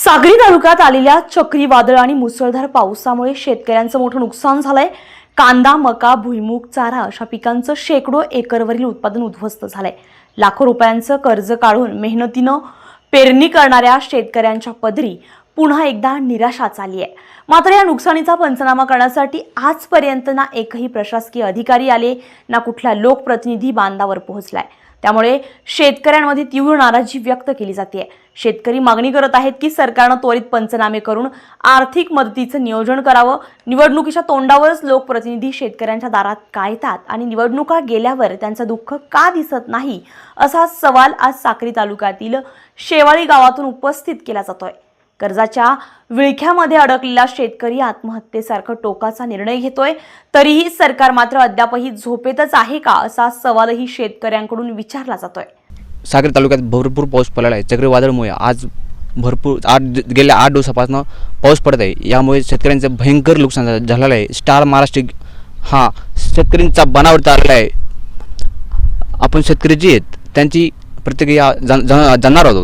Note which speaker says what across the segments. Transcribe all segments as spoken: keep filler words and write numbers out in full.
Speaker 1: सागरी तालुक्यात आलेल्या चक्रीवादळ आणि मुसळधार पावसामुळे शेतकऱ्यांचं मोठं नुकसान झालंय। कांदा, मका, भुईमूग, चारा अशा पिकांचं शेकडो एकरवरील उत्पादन उद्ध्वस्त झालंय। लाखो रुपयांचं कर्ज काढून मेहनतीनं पेरणी करणाऱ्या शेतकऱ्यांच्या पदरी पुन्हा एकदा निराशाच आली आहे। मात्र या नुकसानीचा पंचनामा करण्यासाठी आजपर्यंत ना एकही प्रशासकीय अधिकारी आले, ना कुठला लोकप्रतिनिधी बांधावर पोहोचलाय। त्यामुळे शेतकऱ्यांमध्ये तीव्र नाराजी व्यक्त केली जाते। शेतकरी मागणी करत आहेत की सरकारने त्वरित पंचनामे करून आर्थिक मदतीचं नियोजन करावं। निवडणुकीच्या तोंडावरच लोकप्रतिनिधी शेतकऱ्यांच्या दारात का येतात आणि निवडणुका गेल्यावर त्यांचं दुःख का दिसत नाही, असा सवाल आज साक्री तालुक्यातील शेवाळी गावातून उपस्थित केला जातोय। कर्जाच्या विळख्यामध्ये अडकलेला शेतकरी आत्महत्येसारखा टोकाचा निर्णय घेतोय, तरीही सरकार मात्र अद्यापही झोपेतच आहे का, असा सवालही शेतकऱ्यांकडून विचारला जातोय।
Speaker 2: सागरी तालुक्यात भरपूर पाऊस पडलेला आहे। चक्रीवादळामुळे आज भरपूर आठ गेल्या आठ दिवसापासून पाऊस पडत आहे। यामुळे शेतकऱ्यांचं भयंकर नुकसान झालेलं आहे। स्टार महाराष्ट्र हा शेतकऱ्यांचा बनावट आलेला आहे। आपण शेतकरी जे आहेत त्यांची प्रतिक्रिया जाणणार आहोत।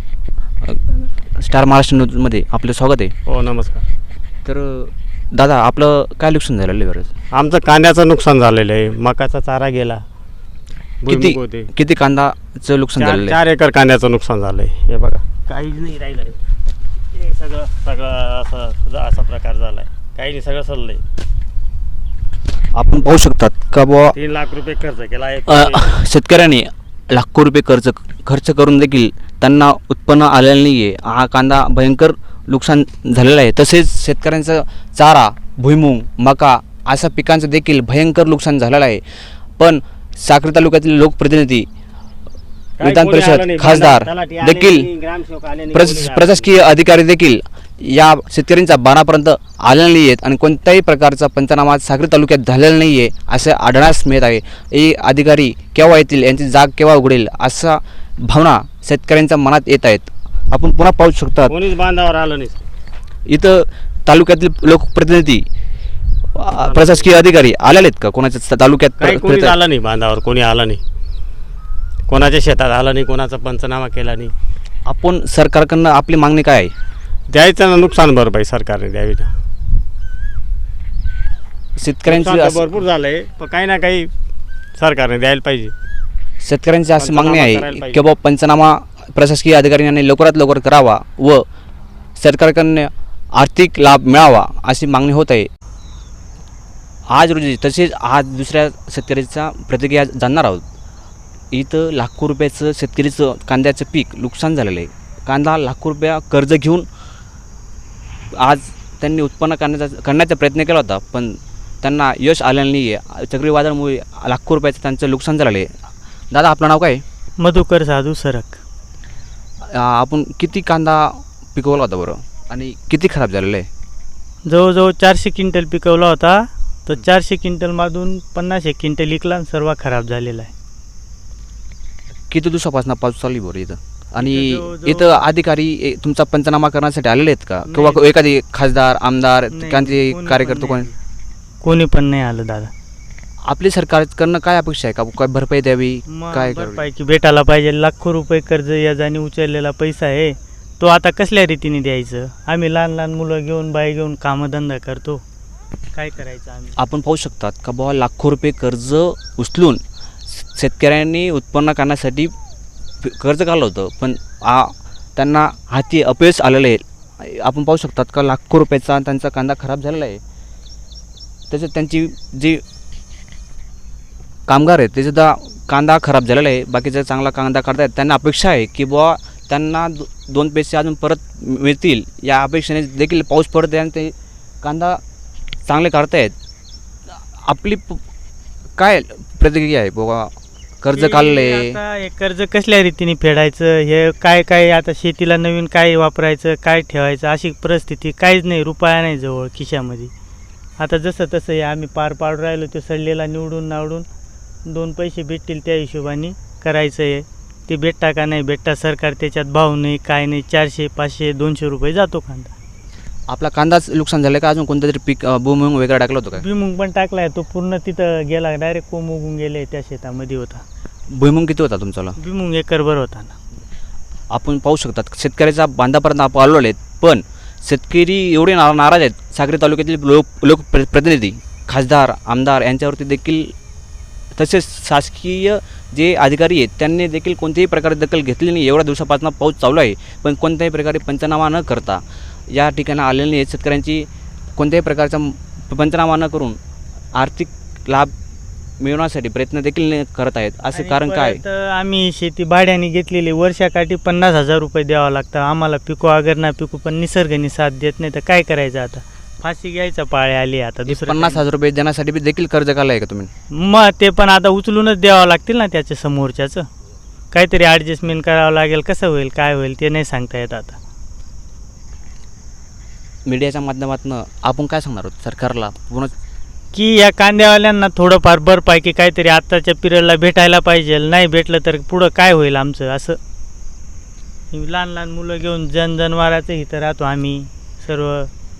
Speaker 2: स्टार महाराष्ट्र न्यूजमध्ये आपलं स्वागत आहे।
Speaker 3: हो, नमस्कार।
Speaker 2: तर दादा, आपलं काय नुकसान झालेलं आहे? बरं,
Speaker 3: आमचं कांद्याचं नुकसान झालेलं आहे, मकाचा चारा गेला।
Speaker 2: किती किती कांदाचं नुकसान झालेलं आहे?
Speaker 3: चार एकर कांद्याचं नुकसान झालं आहे। हे बघा, काहीच नाही राहिलं आहे। हे सगळं सगळं असं असा प्रकार झाला आहे, काही नाही, सगळं सडलं आहे।
Speaker 2: आपण पाहू शकतात का बुवा
Speaker 3: तीन लाख रुपये खर्च केला आहे।
Speaker 2: शेतकऱ्यांनी लाखो रुपये खर्च खर्च करून देखील त्यांना उत्पन्न आलेलं नाही आहे। हा कांदा भयंकर नुकसान झालेला आहे। तसेच शेतकऱ्यांचा चारा, भुईमूग, मका अशा पिकांचं देखील भयंकर नुकसान झालेलं आहे। पण साक्री तालुक्यातील लोकप्रतिनिधी, विधान परिषद, खासदार देखील प्रशासकीय अधिकारी देखील या शेतकऱ्यांच्या बाणापर्यंत आलेले नाही आहेत आणि कोणत्याही प्रकारचा पंचनामा साक्री तालुक्यात झालेला नाही आहे असं आढळण्यास मिळत आहे। हे अधिकारी केव्हा येतील, यांची जाग केव्हा उघडेल असा भावना शेतकऱ्यांच्या मनात येत आहेत। आपण पुन्हा पाहू शकता
Speaker 3: कोणीच बांधावर आलं नाही।
Speaker 2: इथं तालुक्यातील लोकप्रतिनिधी, प्रशासकीय अधिकारी आलेले आहेत का? कोणाच्या तालुक्यात
Speaker 3: कोणी आलं नाही बांधावर, कोणी आलं नाही, कोणाच्या शेतात आलं नाही, कोणाचा पंचनामा केला नाही।
Speaker 2: आपण सरकारकडनं आपली मागणी काय आहे?
Speaker 3: द्यायचं ना नुकसान भरपाई सरकारने द्यावी ना।
Speaker 2: शेतकऱ्यांची
Speaker 3: भरपूर झालंय, पण काही ना काही सरकारने द्यायला पाहिजे।
Speaker 2: शेतकऱ्यांची अशी मागणी आहे की बाबा पंचनामा प्रशासकीय अधिकाऱ्यांनी लवकरात लवकर करावा व सरकारकडनं आर्थिक लाभ मिळावा अशी मागणी होत आहे। आज रोजी तसेच आज दुसऱ्या शेतकऱ्याचा प्रतिक्रिया जाणणार आहोत। इथं लाखो रुपयाचं शेतकरीचं कांद्याचं पीक नुकसान झालेलं आहे। कांदा लाखो रुपया कर्ज घेऊन आज त्यांनी उत्पन्न करण्याचा करण्याचा प्रयत्न केला होता, पण त्यांना यश आलेलं नाही आहे। चक्रीवादळामुळे लाखो रुपयाचं त्यांचं नुकसान झालेलं आहे। दादा, आपलं नाव काय?
Speaker 4: मधुकर साधू सरक।
Speaker 2: आपण किती कांदा पिकवला होता बरं आणि किती खराब झालेलं आहे?
Speaker 4: जवळजवळ चारशे क्विंटल पिकवला होता, तर चारशे क्विंटलमधून पन्नास एक क्विंटल विकला आणि सर्व खराब झालेला आहे।
Speaker 2: किती दिवसापासून पाऊस चालू बरं इथं? आणि इथं अधिकारी तुमचा पंचनामा करण्यासाठी आलेले आहेत का? किंवा एखादी खासदार, आमदार, त्यांचे कार्यकर्ते कोणी
Speaker 4: कोणी पण नाही आलं दादा।
Speaker 2: आपली सरकारकडनं काय अपेक्षा आहे का? काय भरपाई द्यावी, काय
Speaker 4: भरपाई की भेटायला पाहिजे? लाखो रुपये कर्ज याजाने उचललेला पैसा आहे, तो आता कसल्या रीतीने द्यायचं? आम्ही लहान लहान मुलं घेऊन, बाई घेऊन कामधंदा करतो, काय करायचं आम्ही?
Speaker 2: आपण पाहू शकतात का बाबा लाखो रुपये कर्ज उचलून शेतकऱ्यांनी उत्पन्न करण्यासाठी कर्ज काढलं होतं, पण आ त्यांना हाती अपयश आलेलं आहे। आपण पाहू शकतात का लाखो रुपयाचा त्यांचा कांदा खराब झालेला आहे। तसेच त्यांची जी कामगार आहेत तेसुद्धा कांदा खराब झालेला आहे, बाकीचा चांगला कांदा काढतायत। त्यांना अपेक्षा आहे की बुवा त्यांना दो दोन पैसे अजून परत मिळतील या अपेक्षेने देखील पाऊस पडत आहे आणि ते कांदा चांगले काढतायत। आपली काय प्रतिक्रिया आहे? बुवा कर्ज काढले,
Speaker 4: आता हे कर्ज कसल्या रीतीने फेडायचं, हे काय काय आता शेतीला नवीन काय वापरायचं, काय ठेवायचं अशी परिस्थिती काहीच नाही, रुपया नाही जवळ खिशामध्ये। आता जसं तसं हे आम्ही पार पाडून राहिलो, तो सडलेला निवडून नावडून दोन पैसे भेटतील त्या हिशोबाने करायचं आहे। ते भेटता का नाही भेटता, सरकार त्याच्यात भाव नाही, काय नाही, चारशे पाचशे दोनशे रुपये जातो कांदा।
Speaker 2: आपला कांदाच नुकसान झालं का? अजून कोणतं तरी पीक भुईमूग वगैरे टाकलं होतं का?
Speaker 4: भुईमूग पण टाकला आहे, तो पूर्ण तिथं गेला, डायरेक्ट कोंब उगून गेले त्या शेतामध्ये होता।
Speaker 2: भुईमूग किती होता तुमचा?
Speaker 4: भुईमूग एकरभर होता ना।
Speaker 2: आपण पाहू शकतात शेतकऱ्याचा बांधापर्यंत आपण आलो आहेत। पण शेतकरी एवढे ना नाराज आहेत, साक्री तालुक्यातील लोक लोक प्र प्रतिनिधी खासदार आमदार यांच्यावरती देखील, तसेच शासकीय जे अधिकारी आहेत त्यांनी देखील कोणत्याही प्रकारे दखल घेतली नाही. एवढ्या दिवसापासून पाऊस चालू आहे, पण कोणत्याही प्रकारे पंचनामा न करता या ठिकाणी आलेले आहेत शेतकऱ्यांची कोणत्याही प्रकारचा पंचनामा न करून आर्थिक लाभ मिळवण्यासाठी प्रयत्न देखील न करत आहेत. असे
Speaker 4: आणि
Speaker 2: कारण काय?
Speaker 4: परत आम्ही शेती भाड्याने घेतलेली, वर्षाकाठी पन्नास हजार रुपये द्यावं लागतं आम्हाला, पिकू अगर ना पिकू, पण निसर्गाने साथ देत नाही तर काय करायचं आता, फाशी घ्यायचा पाळी आली आता. दुसरं
Speaker 2: पन्नास हजार रुपये देण्यासाठी बी देखील कर्ज काढलं आहे का तुम्ही?
Speaker 4: मग ते पण आता उचलूनच द्यावं लागतील ना, त्याच्या समोरच्याचं काहीतरी ॲडजस्टमेंट करावं लागेल. कसं होईल काय होईल ते नाही सांगता येत आता.
Speaker 2: मीडियाच्या माध्यमातून आपण काय सांगणार आहोत सरकारला पूर्ण,
Speaker 4: की या कांद्यावाल्यांना थोडंफार भरपाई की काहीतरी आत्ताच्या पिरियडला भेटायला पाहिजे, नाही भेटलं तर पुढं काय होईल आमचं. असं लहान लहान मुलं घेऊन जनजनवाराचं इथं राहतो आम्ही सर्व,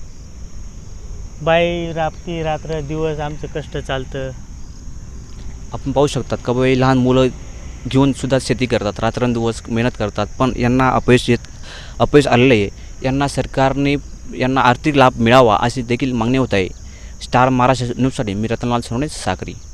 Speaker 4: बाई राबती रात्र दिवस आमचं कष्ट चालतं.
Speaker 2: आपण पाहू शकतात का बाई लहान मुलं घेऊन सुद्धा शेती करतात, रात्रंदिवस मेहनत करतात, पण यांना अपयश येत अपयश आलेलं आहे. यांना सरकारने यांना आर्थिक लाभ मिळावा अशी देखील मागणी होत आहे. स्टार महाराष्ट्र न्यूजसाठी मी रतनलाल सोनवणे, साक्री.